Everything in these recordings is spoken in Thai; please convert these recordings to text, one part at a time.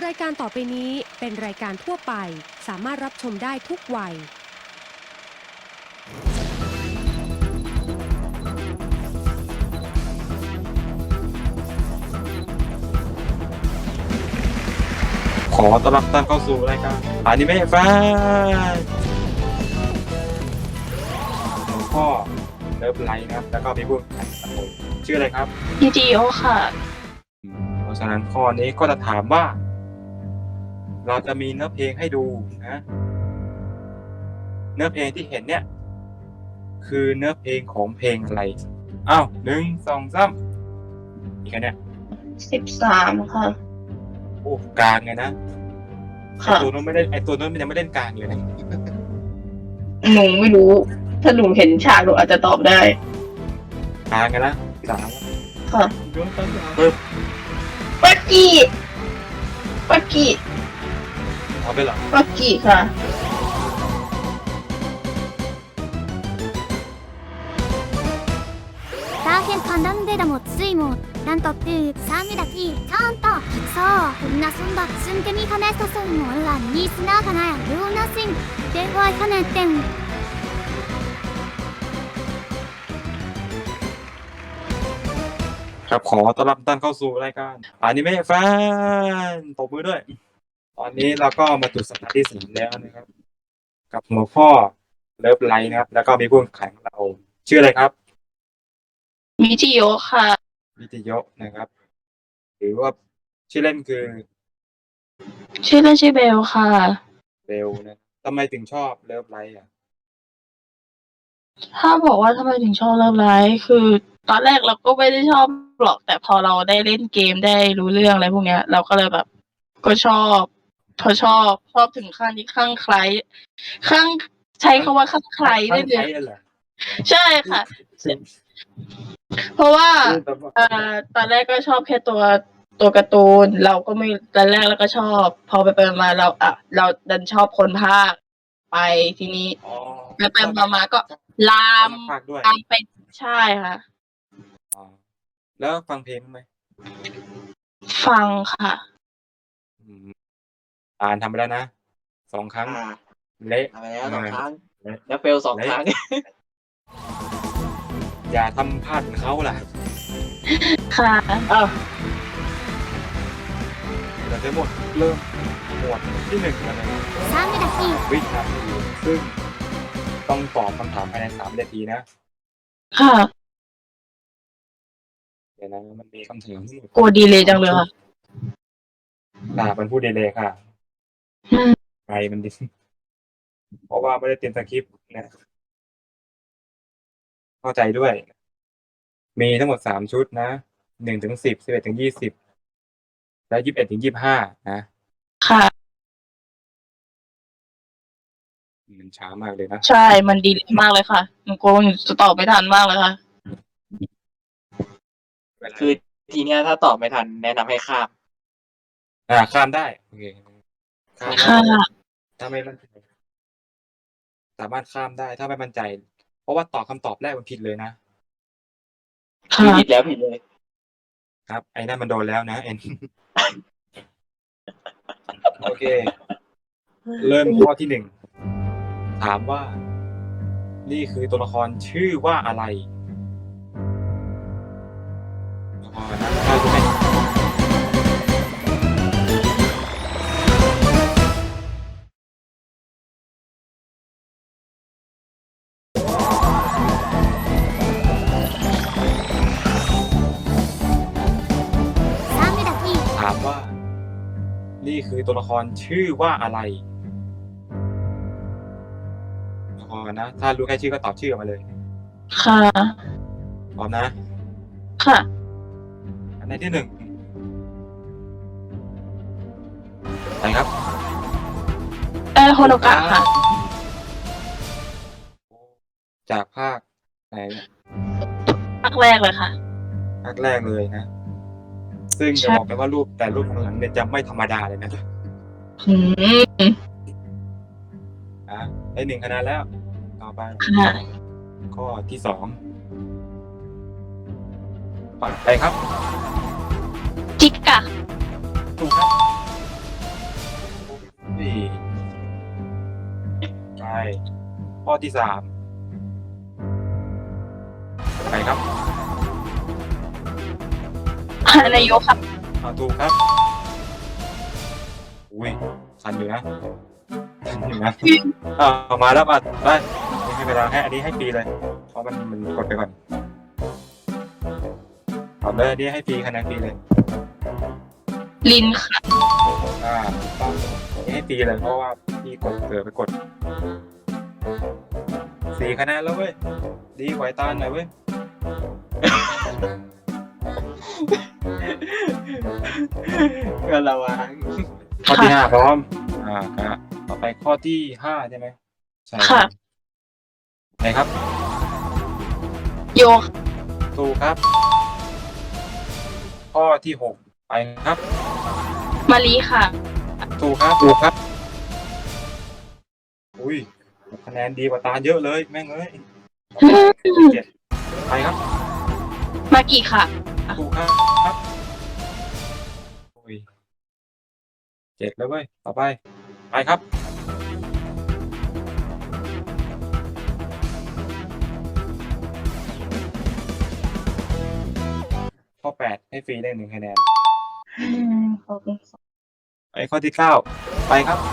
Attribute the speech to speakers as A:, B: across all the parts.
A: รายการต่อไปนี้เป็นรายการทั่วไปสามารถรับชมได้ทุกวัย
B: ขอต้อนรับท่านเข้าสู่รายการอนิเมะแฟนหลวงพ่อเลิฟไลท์นะครับ แล้วก็มีผู้แข่งขันผมชื่ออะไรครับ
C: GTO ค่ะ
B: เพราะฉะนั้นข้อนี้ก็จะถามว่า เราจะมีเนื้อเพลงให้ดูนะ เนื้อเพลงที่เห็นเนี่ย คือเนื้อเพลงของเพลงอะไรอ้าว1 2 3อีกอันเนี่ย
C: 13 ค่ะ
B: โอ้กลางไงนะไอ
C: ค่ะ
B: ตัวนู้นไม่ได้ไอตัวนู้นมันยังไม่เล่นกลางเลยนะ
C: หนูไม่รู้ ถ้าหนูเห็นฉากหนูอาจจะตอบได้
B: กลางไงนะ3
C: ค่ะ
B: ดวงตาปึ๊บ
C: ปักกี้
B: เอาไปเหรอ
C: ปักกี้ค่ะ
D: ダーヘンカンダンデダモツイモなんとってサミダキちゃんとそうみんなそんだすんでみかねとそんもんらにすなかなやルーナシンでわいかねってん
B: ครับขอต้อนรับท่านเข้าสู่รายการอนิเมะแฟนตบมือด้วย ตอนนี้เราก็มาจุดสัปดาห์ที่4แล้วนะครับ กับหัวข้อเลิฟไลท์นะครับ แล้วก็มีผู้แข่งขันของเราชื่ออะไรครับ
C: มีจิโยค่ะ
B: วิทยะนะครับ หรือว่าชื่อเล่นคือ
C: ชื่อเล่นชื่อเบลค่ะ
B: เบลนะทำไมถึงชอบเลิฟไลท์อ่ะ
C: ถ้าบอกว่าทำไมถึงชอบเลิฟไลท์คือตอนแรกเราก็ไม่ได้ชอบหรอก แต่พอเราได้เล่นเกมได้รู้เรื่องอะไรพวกเนี้ย เราก็เลยแบบ ก็ชอบ พอชอบถึงขั้นที่ข้างใครใช้คำว่าข้างใครได้เล
B: ใช้
C: ย
B: เหรอ
C: ใช่ค่ะ เพราะว่า
B: คือแบบว่า
C: ตอนแรกก็ชอบแค่ตัวการ์ตูน เราก็ไม่ตอนแรกเราก็ชอบ พอไปมาเราดันชอบคนภาคไปทีนี้
B: อ๋อ
C: ไปมาก็ลาม
B: ภาคด้วย
C: ไปใช่ค่ะ
B: อ๋อแล้วฟังเพลงไหม
C: ฟังค่ะ
B: อืมอ่านทำไปแล้วนะ2 ครั้งเละ
E: ทำไปแล้ว2 ครั้ง
B: เละ
E: แล้วเฟล 2 ครั้ง
B: อย่าทำพลาดเหมือนเขาล่ะ
C: ค่ะ
E: อ้าว
B: เราจะเริ่มหมวดที่1กันเลย
D: サミダキ
B: วินาทีซึ่งต้องตอบคำถามภายใน3 นาทีนะ
C: ค่ะ
B: เดี๋ยวนะมันมีคำถามทั้งหมด
C: กลัวดีเลยจังเลยค่ะ
B: มันพูดดีเลยค่ะ
C: อืม
B: ไงมันดิ เพราะว่าไม่ได้เตรียมสคริปต์นะเข้าใจด้วย มีทั้งหมด3 ชุดนะ1 ถึง 10 11 ถึง 20 และ 21 ถึง 25 นะ
C: ค่ะ
B: มันช้ามากเลยนะ
C: ใช่ มันดีมากเลยค่ะหนูกลัวหนูจะตอบไม่ทันมากเลยค่ะ
E: คือทีเนี้ยถ้าตอบไม่ทันแนะนำให้ข้าม
B: ข้ามได้โอเคข้าม
C: ค่ะ
B: ได้ถ้าไม่มั่นใจสามารถข้ามได้ถ้าไม่มั่นใจ เพราะว่าตอบคำตอบแรกมันผิดเลยนะ
E: คือ
C: ค่ะ
E: ผิดแล้วผิดเลย
B: ครับ ไอ้นั่นมันโดนแล้วนะเอ็น โอเค เริ่มข้อที่1ถามว่า นี่คือตัวละครชื่อว่าอะไรตัวละครนะถ้ารู้ไหม
D: サミダキ
B: ถามว่า นี่คือตัวละครชื่อว่าอะไรตัวละครนะ ถ้ารู้แค่ชื่อก็ตอบชื่อออกมาเลย
C: ค่ะ
B: พร้อมนะ
C: ค่ะ
B: อันในที่1ไปครับ
C: โฮโนกะค่ะ
B: จากภาคไหน
C: ภาคแรกเลยค่ะ
B: ภาคแรกเลยนะ ซึ่ง
C: ใช่
B: จะบอกไปว่ารูปแต่รูปข้างหลังเนี่ยจะไม่ธรรมดาเลยนะ
C: อืม
B: ได้1 คะแนนแล้ว ต่อไป
C: ค่ะ
B: ข้อที่2ไปครับ
C: จิกกะ
B: ถูกครับข้อที่สามไปครับ
C: นายกค่ะ
B: ถูกครับอุ้ยทันอยู่นะทันอยู่นะเอามาแล้วมาได้ไม่ให้เวลาให้อันนี้ให้ฟรีเลยเพราะมันกดไปก่อนเอาเลยอันนี้ให้ฟรีคะแนนฟรีเลย
C: ลินค่ะ
B: อันนี้ให้ฟรีเลยเพราะว่าพี่กดเกิดไปกด4 คะแนนแล้วเว้ยดีกว่าไอ้ตาลหน่อยเว้ย
E: ก็ระวัง
B: ข้อที่5พร้อมครับต่อไปข้อที่5ใช่ไหมใช่
C: ค่ะ
B: ไหนครับ
C: โย
B: ถูกครับ ข้อที่6ไปครับ
C: มารีค่ะ
B: ถูกครับถูกครับอุ้ยคะแนนดีกว่าตาลเยอะเลยแม่งเอ้ย7ไปครับ
C: มากิค่ะ
B: ถูกครับอุ้ย7แล้วเว้ยต่อไปไปครับข้อ8ให้ฟรีได้1 คะแนนไปข้อที่9ไปครับ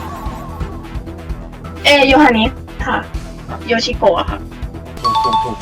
C: โยฮานิสค่ะ โยชิโกะค่ะ
B: ถูก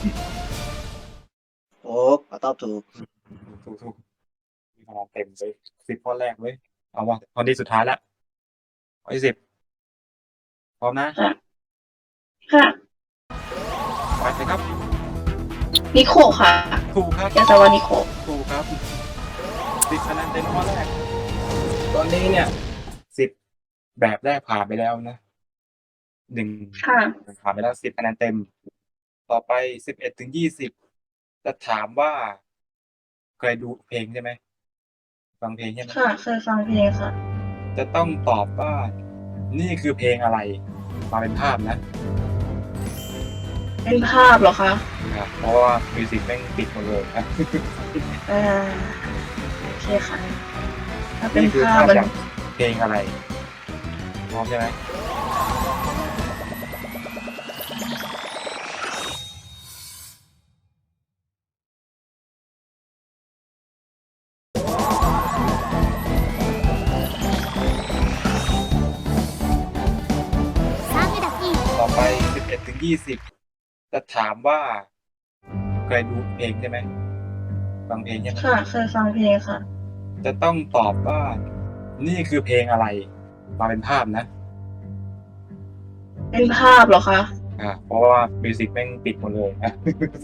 E: โอ้ตอบถูก
B: มีคะแนนเต็มเลย10 ข้อแรกเว้ยเอาว่าข้อที่สุดท้ายแล้วข้อที่10พร้อมนะ
C: ค่ะ
B: ไปเลยครับ
C: นิโคค่ะ
B: ถูกครับ
C: ยาซาวานิโค
B: ถูกครับ10 คะแนนเต็มข้อแรกตอนนี้เนี่ย10 แบบแรกผ่านไปแล้วนะ1
C: ค่ะ
B: ผ่านไปแล้ว10 คะแนนเต็มต่อไป11 ถึง 20จะถามว่าเคยดูเพลงใช่ไหมฟังเพลงใช่ไหม
C: ค่ะ เคยฟังเพลงค่ะ
B: จะต้องตอบว่านี่คือเพลงอะไรมาเป็นภาพนะ
C: เป็นภาพเหรอคะ
B: ครับเพราะว่ามิวสิกแม่งปิดหมดเลยนะ
C: โอเคค่ะ ถ้าเป็น
B: นี่คือ
C: ภาพ
B: ภาพ
C: มัน
B: จากเพลงอะไรพร้อมใช่ไหมต่อไป11 ถึง 20จะถามว่าเคยดูเพลงใช่ไหมฟังเพลงใช่ไหม
C: ค่ะ เคยฟังเพลงค่ะ
B: จะต้องตอบว่านี่คือเพลงอะไรมาเป็นภาพนะ
C: เป็นภาพเหรอคะ
B: เพราะว่ามิวสิกแม่งปิดหมดเลยนะ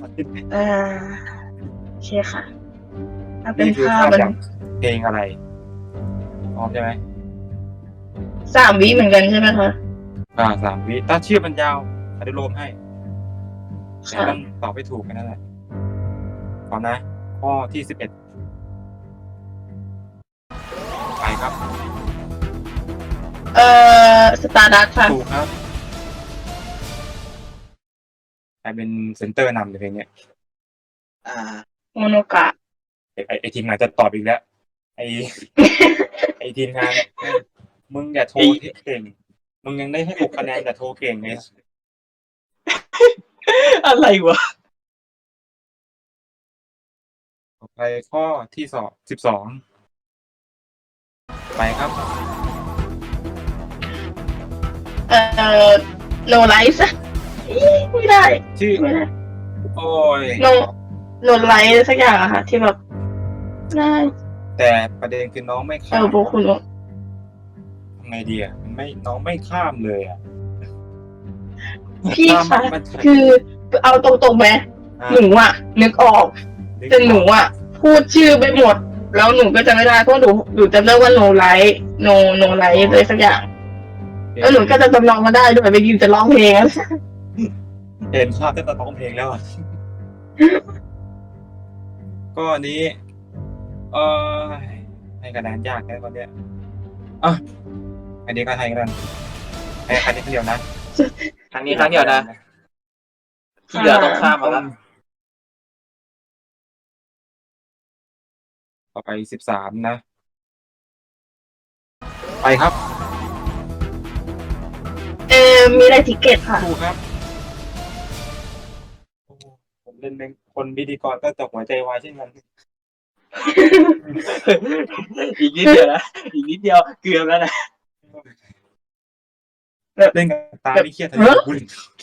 C: โอเคค่ะ ถ้าเป็น
B: นี่คือ
C: ภาพ
B: ภาพ
C: มัน
B: จากเพลงอะไรพร้อมใช่ไหม
C: 3 วิเหมือนกันใช่ไหมคะ
B: 3 วิถ้าชื่อมันยาวอนุโลมให้แต่
C: ค่ะ
B: ต้องตอบให้ถูกกันนั่นแหละพร้อมนะ ข้อที่11ไปครับ
C: สตาร์ดัสค่ะ
B: ถูกครับใครเป็นเซนเตอร์นำในเพลงเนี้ย
C: โมโนกะ
B: ไอทีมงานจะตอบอีกแล้ว ไอ ไอทีมงานมึงอย่าโทรเก่ง มึงยังได้ให้6 คะแนนแต่โทรเก่งเลย
E: อะไรวะ
B: ต่อไปข้อที่12ไปครับ
C: โนไลท์ไม่ได้
B: ชื่อ
C: ไม่ได้
B: โอ้ย
C: โนไลท์สักอย่างอะค่ะ ที่แบบได้
B: แต่ประเด็นคือน้องไม่ข้าม
C: โบคุณ
B: ทำไงดีอ่ะมันไม่น้องไม่ข้ามเลยอ่ะ
C: พี่
B: ข้าม
C: คะ
B: มัน
C: คือเอาตรงๆไหมหนูอะนึกออก แต่หนูอะพูดชื่อไปหมด แล้วหนูก็จะไม่ได้เพราะหนูจำได้ว่าโนไลท์โนไลท์เลยสักอย่าง แล้วหนูก็จะจำลองมาได้ด้วยไปยินจะร้องเพลง
B: เห็นภาพตั้งแต่ร้องเพลงแล้วอ่ะ ก็อันนี้ให้คะแนนยากแค่ตอนเนี้ยอันนี้ก็ให้กันให้คะแนนเดียวนะ
E: ครั้งนี้ครั้งเดียวนะที่เหลือต้องข้ามมาแล้ว
B: ต่อไป13นะ ไปครับ
C: มีอะไรทิเก็ตค่ะ
B: ถูกครับเล่นเป็นคนพิธีกรก็จะหัวใจวายเช่นกัน
E: อีกนิดเดียวนะอีกนิดเดียวเกือบแล้วนะ
B: เล่นกับตาไม่เครียดเลยคุณ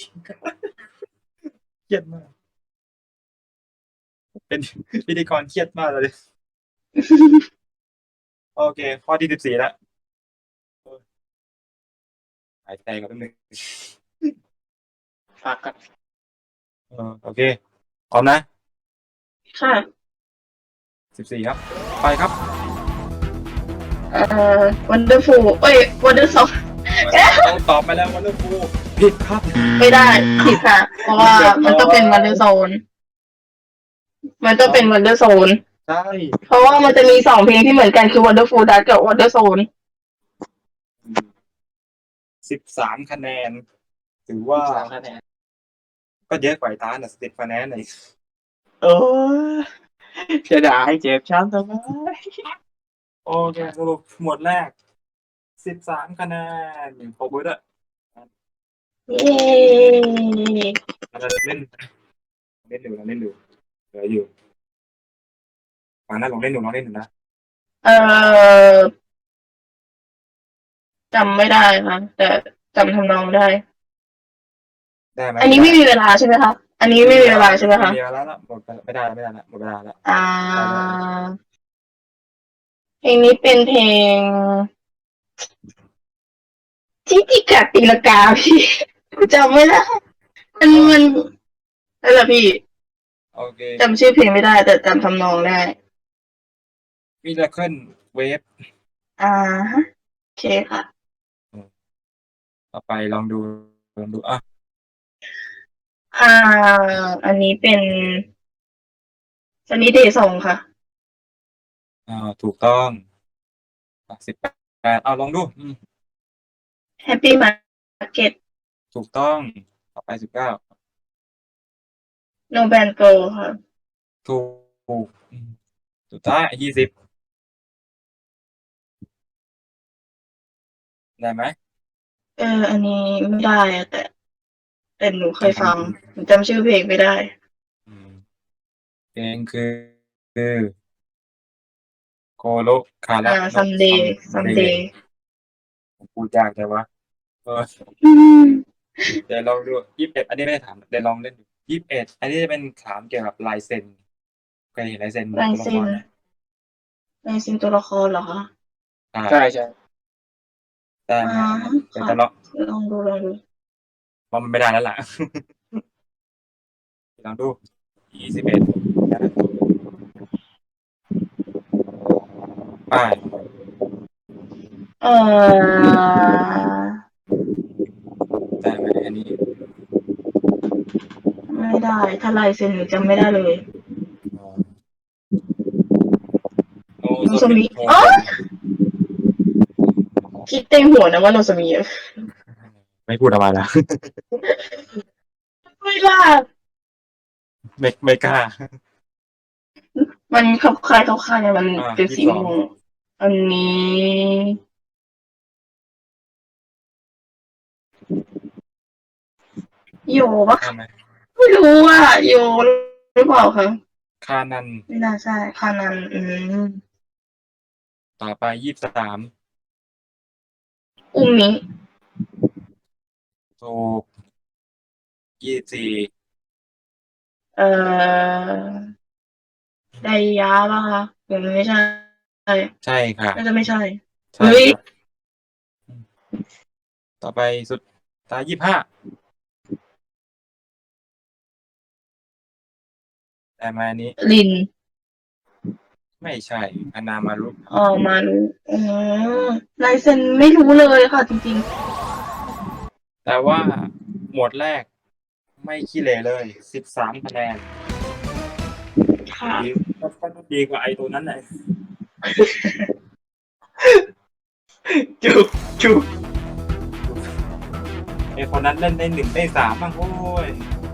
B: เครียดมาก เป็นพิธีกรเครียดมากเลย โอเค ข้อที่14แล้วหายใจก่อนแป๊บนึง
E: ฝากกัน
B: โอเคพร้อมนะ
C: ค่ะ
B: 14ครับ ไปครับ
C: Wonderful Wonderful
B: เราตอบไปแล้ววันเดอร์ฟูผิดครับ
C: ไม่ได้ผิดค่ะ เพราะว่ามันต้องเป็น Wonder Zone มันต้องเป็น Wonder Zone
B: ใช่
C: เพราะว่ามันจะมี2เพลงที่เหมือนกันคือ Wonderful Dust กับ Wonder Zone
B: 13 คะแนน ถือว่า
E: 3 คะแนน
B: ก็เยอะกว่าไอ้ตาน่ะ10 คะแนนเลย
E: โอ้ยจะด่าให้เจ็บช้ำทำไม
B: โอเคสรุปหมวดแรก 13 คะแนนขอบคุณด้วย
C: เย้
B: เราเล่นอยู่เหลืออยู่มานะลองเล่นอยู่นะ
C: จำไม่ได้ค่ะแต่จำทำนองได้
B: ได้ไหม
C: อันนี้ไม่มีเวลาใช่ไหมคะอันนี้ไม่มีเวลาใช่ไหมคะ
B: ไม่มีเวลาแล้วหมดไม่ได้ละหมดเวลาแล้ว
C: เพลงนี้เป็นเพลงที่ติกาตีลกาพี่จำไม่ได้มันนั่นแหละพี่
B: โอเค
C: จำชื่อเพลงไม่ได้ แต่จำทำนองได้
B: มิราเคิลเวฟ
C: ฮะโอเคค่ะ
B: ต่อไปลองดูอ่ะ
C: อันนี้เป็นซันนี่เดย์ซองค่ะ
B: ถูกต้อง18เอาลองดู
C: Happy Market
B: ถูกต้องต่อไป19
C: No Band Girl ค่ะ
B: ถูกสุดท้าย20ได้ไหม
C: อันนี้ไม่ได้อะแต่หนูเคยฟังหนูจำชื่อเพลงไม่ได้
B: เพลงคือโคโลคาระ
C: Someday
B: พูดยากแต่ว่าเดี๋ยวลองดู21อันนี้ไม่ได้ถามเดี๋ยวลองเล่นดู21อันนี้จะเป็นถามเกี่ยวกับลายเซ็นเคยเห็นลายเซ็นตัวละครไหม
C: ในซินตัวละครเหรอคะ
E: ใช่ใช่
B: ได้ไหมเดี๋ยวจะลอง
C: ลองดู
B: ว่ามันไม่ได้แล้วล่ะ ลองดู21ไป ได้ไหมอันนี้
C: ไม่ได้ ถ้าลายเซ็นหนูจำไม่ได้เลย
B: โน
C: โน
B: โซ
C: โซมิ
B: มิ
C: อ๋อ คิดเต็มหัวนะว่าโนสมีอะ
B: ไม่พูดออกมาแล้ว
C: ไม่ล่ะ
B: ไม่กล้า
C: มันคลับคล้ายเนี่ยมันเป็นสี
B: 22
C: ม่วงอันนี้โยปะ
B: ได้ไหม
C: ไม่รู้อ่ะโยหรือเปล่าคะ
B: คานัน
C: ไม่น่าใช่คานัน
B: ต่อไป23
C: อุมิ
B: ถูก24
C: ไดยะป่ะคะหรือไม่ใช่
B: ใช่ค่ะ
C: น่าจะไม่ใช่
B: ใช่
C: เฮ้ย
B: ครับต่อไปสุดท้าย25ได้ไหมอันนี้
C: ลิน
B: ไม่ใช่อนามารุ
C: มารู้ลายเซ็นไม่รู้เลยค่ะจริง
B: แต่ว่าหมวดแรกไม่ขี้เหร่เลย13คะแนน
C: ๆ ค่ะ
B: ดีกว่าไอตัวนั้นเลย
E: จุก
B: ไอคนนั้นเล่นได้1ได้3บ้างโอ้ย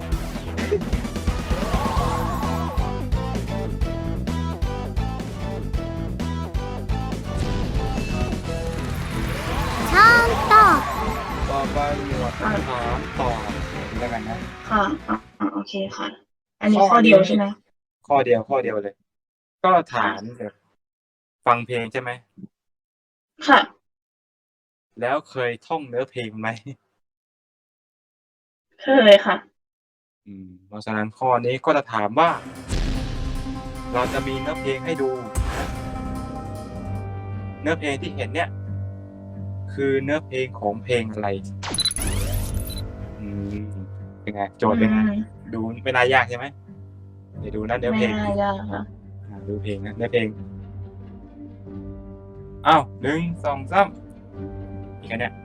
D: ちゃんと
B: ต่อไปหมวดถามตอบแล้วกันนะ
C: ค่ะโอเคค่ะอันนี้ข้อเดียวใช่ไหม
B: ข้อเดียวเลย ก็ถามแบบฟังเพลงใช่ไหม
C: ค่ะ
B: แล้วเคยท่องเนื้อเพลงไหม
C: เคยค่ะ
B: เพราะฉะนั้นข้อนี้ก็จะถามว่า เราจะมีเนื้อเพลงให้ดู เนื้อเพลงที่เห็นเนี่ย คือเนื้อเพลงของเพลงอะไรเป็นไงโจทย์เป็นไง ดูไม่น่ายากใช่ไหมเดี๋ยวดูนะเนื้อเพลง
C: ไม่น่ายากค่ะ
B: ดูเพลงนะเนื้อเพลงอ้าว1 2 3อีกอันเนี่ย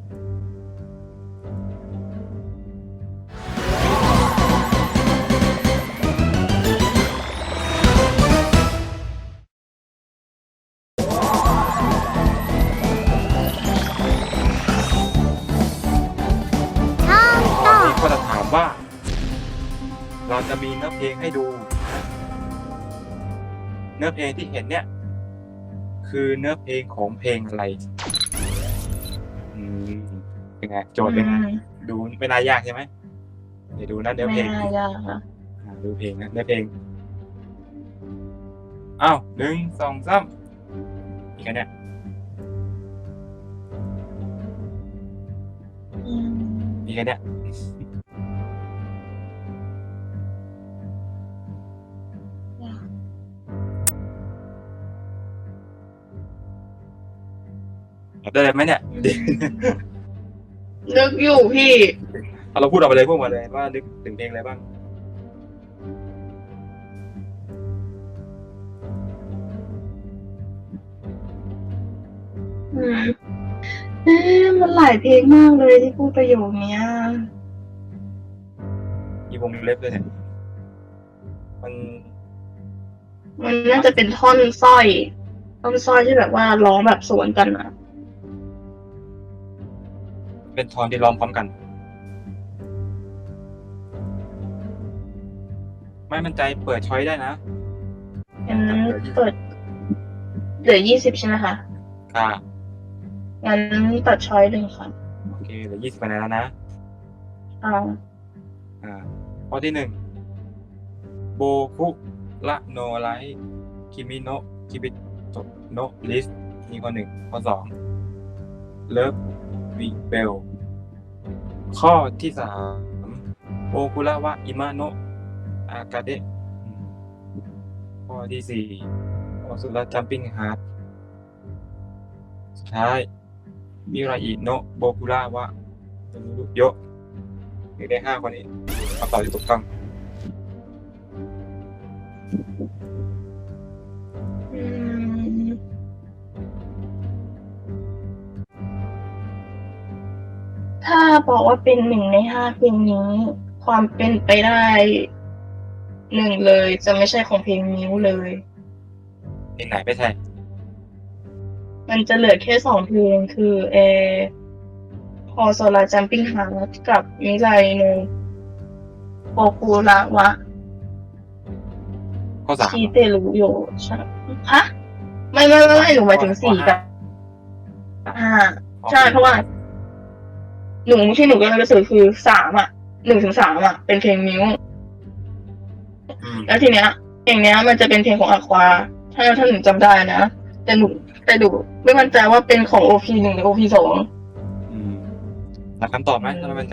B: ข้อนี้ก็จะถามว่า เราจะมีเนื้อเพลงให้ดู เนื้อเพลงที่เห็นเนี่ย คือเนื้อเพลงของเพลงอะไรเป็นไงโจทย์เป็นไง ดูไม่น่ายากใช่ไหมเดี๋ยวดูนะเนื้อเพล
C: ไม่
B: ง
C: น่ายากค่ะ
B: ดูเพลงนะเนื้อเพลงอ้าว1 2 3อีกอันเนี่ย อีกอันเนี่ยตอบได้เลยไหมเนี่ย
C: นึกอยู่พี่
B: เอาเราพูดออกไปเลยพวกมาเลยว่านึกถึงเพลงอะไรบ้าง
C: มันหลายเพลงมากเลยที่พูดประโยคเนี้ย
B: มีวงเล็บเลยเนี่ยมัน
C: มันน่าจะเป็นท่อนสร้อยที่แบบว่าร้องแบบสวนกันอะ
B: เป็นทอนที่ร้องพร้อมกัน ไม่มั่นใจเปิดช้อยได้นะ
C: งั้นเปิดเหลือ20ใช่ไหมคะ
B: ค่ะ
C: งั้นตัดช้อยเลยค่ะ
B: โอเคเหลือ20คะแนนแล้วนะ ข้อที่1โบคุระโนไลคิมิโนะคิบิโตโนะลิสนี่ข้อ1ข้อ2เลิฟวิเบลข้อที่3โอคุระวะอิมาโนะอากาเดะข้อที่4โอสุระจัมปิ้งฮาร์ดสุดท้ายมิราอิโนะโบคุระวะตนุรุโยะมีได้5ข้อนี้คำตอบที่ถูกต้อง
C: ถ้าบอกว่าเป็น1 ใน 5เพลงนี้ ความเป็นไปได้1เลย จะไม่ใช่ของเพลงนิ้วเลย
B: เพลงไหนไม่ใช่
C: มันจะเหลือแค่2เพลงคือฮอโซราจัมปิ้งฮาร์ดกับมิไรโนโปคุระวะ
B: ข้อ3
C: ชิเตรุโยใช่ฮะไม่หนูหมายถึง4 กับ5ใช่เพราะว่าหนูที่หนูกำลังจะสื่อคือ3 1 ถึง 3เป็นเพลงนิ้ว แล้วทีเนี้ยเพลงเนี้ยมันจะเป็นเพลงของอาควาถ้าหนูจำได้นะแต่หนูไม่มั่นใจว่าเป็นของ OP1 หรือ OP2
B: หาคำตอบไหมถ้าไม่มั่นใจ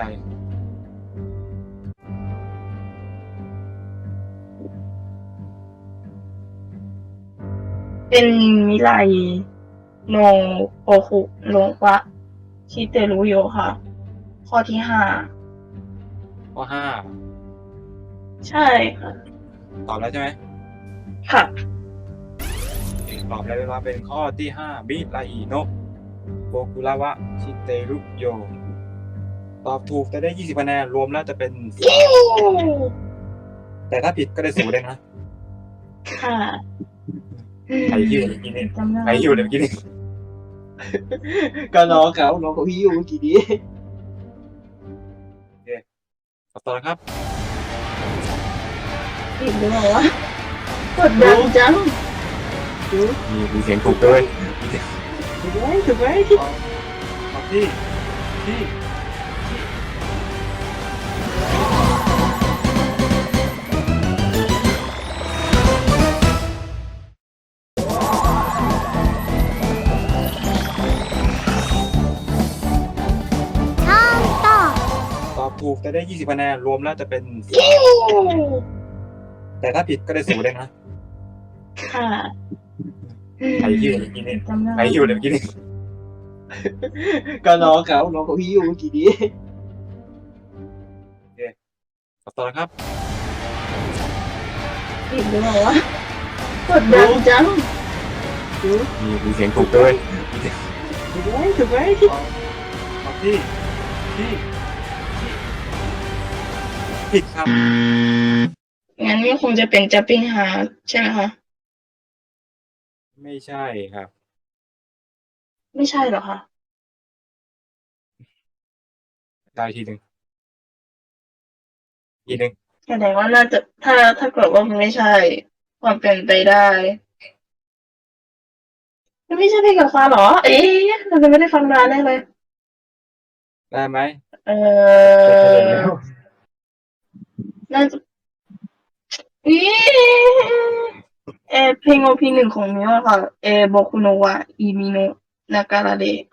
C: เป็นมิไรโนโอคุโรวะชิเตรุโยค่ะ ข้อที่5
B: ข้อ
C: ใช่ค่ะ
B: 5ตอบแล้วใช่ไหม
C: ค่ะ
B: ตอบแล้วว่าเป็นข้อที่5มิราอิโนะโบคุระวะชิเตรุโยตอบถูกจะได้20คะแนนรวมแล้วจะเป็นแต่ถ้าผิดก็ได้0เลยนะ
C: ค่ะ
B: ใครหิวเมื่อกี้นี่
C: จำได้
B: ใครหิวเลยเมื่อกี้นี่
E: ก็น้องเขาพี่อยู่เมื่อกี้นี้
B: ตอบต่อแล้วครับ
C: ผิดหรือเปล่าวะกดดันจัง
B: มีเสียงถูกด้วย
E: ถูกไหม
B: ตอบที่ถูกจะได้20คะแนนรวมแล้วจะเป็นแต่ถ้าผิดก็ได้0เลยนะ
C: ค่ะ
B: ใครหิวเมื่อกี้นี่
C: จำได้
B: ใครหิวเลยเมื่อกี้นี่
E: ก็น้องเขาพี่อยู่เมื่อกี้นี้
B: ต่อครับ
C: ผิดหรือเปล่าวะกดดันจัง
B: มีเสียงถูกด้วย
E: ถูกไหมถูกไหม
B: ตอบที่ผิดครับ
C: งั้นก็คงจะเป็น Jumping Heart ใช่ไหมคะ
B: ไม่ใช่ครับ
C: ไม่ใช่เหรอคะ
B: ได้ทีหนึ่งทีหนึ่ง
C: แสดงว่าน่าจะถ้าเกิดว่ามันไม่ใช่ ความเป็นไปได้มันไม่ใช่เพลงกับฟ้าเหรอ เอ๊ะเราจะไม่ได้ฟังนานแน่เลย
B: ได้ไหม
C: เออน่าจะเพลง OP1 ของมิวอะค่ะโบคุโนะวะอิมิโนะนาการาเดะ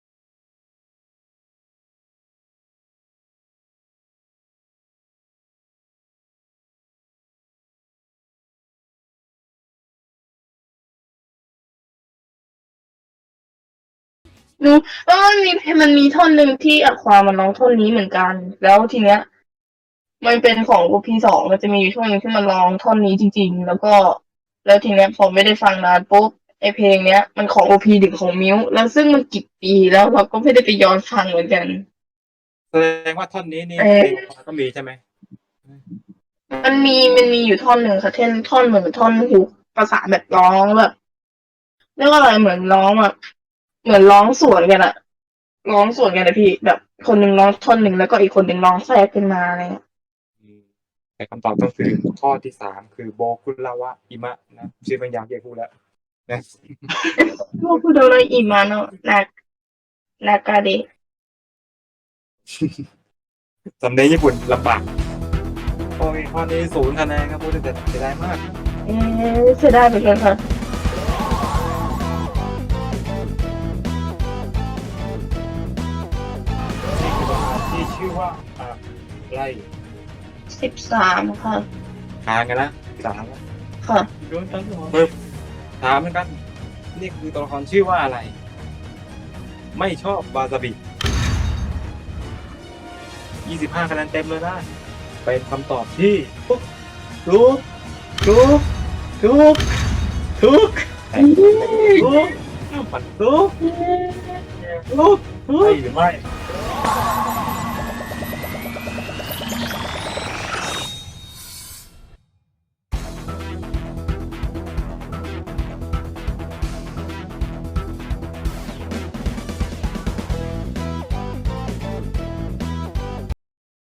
C: นูมันมีท่อนหนึ่งที่อะความันร้องท่อนนี้เหมือนกัน แล้วทีเนี้ย มันเป็นของ OP2 มันจะมีอยู่ช่วงหนึงที่มันร้องท่อนนี้จริง ๆ แล้วทีเนี้ยพอไม่ได้ฟังนานปุ๊บไอเพลงเนี้ยมันของ OP1 ของมิวแล้วซึ่งมันกี่ปีแล้วเราก็ไม่ได้ไปย้อนฟังเหมือนกัน
B: แสดงว่าท่อนนี้นี่
C: เอ๊ะ
B: เพลงก็มีใช่ไหม
C: มันมีอยู่ท่อนหนึ่งค่ะท่อนเหมือนท่อนฮุกภาษาแบบร้องแบบเรียกว่าอะไรเหมือนร้องแบบเหมือนร้องสวนกันอะร้องสวนกันนะพี่แบบคนหนึ่งร้องท่อนหนึ่งแล้วก็อีกคนหนึ่งร้องแทรกขึ้นมาอะไรเงี้ย
B: แต่คำตอบก็คือข้อที่3คือโบคุราวะอิมะนะชื่อมันยากเกี่ยวพูดแล้วนะ
C: พวกพูดอะไรอีมาโนะนากาเดะ
B: สำเนียงญี่ปุ่นลำบากโอ้ยข้อนี้0 คะแนนครับพูดแต่เสียดายมาก
C: เสียดายเหมือนกันค่ะ
B: ที่ชื่อว่าอะไร
C: 13 ค่ะ
B: ทางกันนะ3
C: ค่ะ
B: โดนตั้งหัวปึ๊บถามเหมือนกัน นี่คือตัวละครชื่อว่าอะไร ไม่ชอบบาซาบิ25 คะแนนเต็มเลยนะเป็นคำตอบที่
E: ถูกถูก
B: มัน
E: ถูก
B: ใช่หรือไม่